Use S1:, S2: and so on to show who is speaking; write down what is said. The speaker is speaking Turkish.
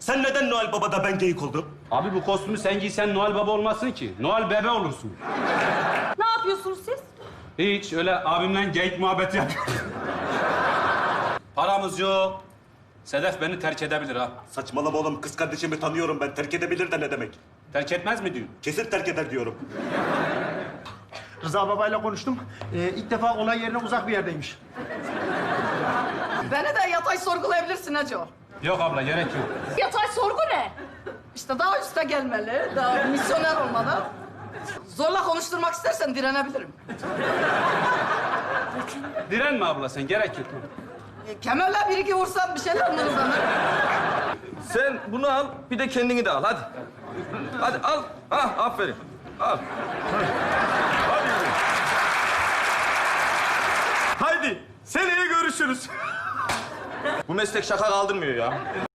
S1: Sen neden Noel Baba'da ben geyik oldum?
S2: Abi bu kostümü sen giysen Noel Baba olmazsın ki. Noel Bebe olursun.
S3: Ne yapıyorsunuz siz?
S2: Hiç öyle abimle geyik muhabbeti yapıyoruz. Paramız yok. Sedef beni terk edebilir ha.
S1: Saçmalama oğlum. Kız kardeşimi tanıyorum ben. Terk edebilir de ne demek?
S2: Terk etmez mi diyor?
S1: Kesin terk eder diyorum.
S4: Rıza babayla konuştum. İlk defa olay yerine uzak bir yerdeymiş.
S5: Beni de yatay sorgulayabilirsin Hacı.
S2: Yok abla gerek yok.
S3: Yatay sorgu ne?
S5: İşte daha üste gelmeli, daha misyoner olmalı. Zorla konuşturmak istersen direnebilirim.
S2: Direnme abla sen gerek yok.
S5: Kemerle bir iki vursan bir şeyler mırıldanır.
S6: Sen bunu al, bir de kendini de al. Hadi. Hadi al. Ah, aferin. Al. Haydi. Seneye görüşürüz. Bu meslek şaka kaldırmıyor ya.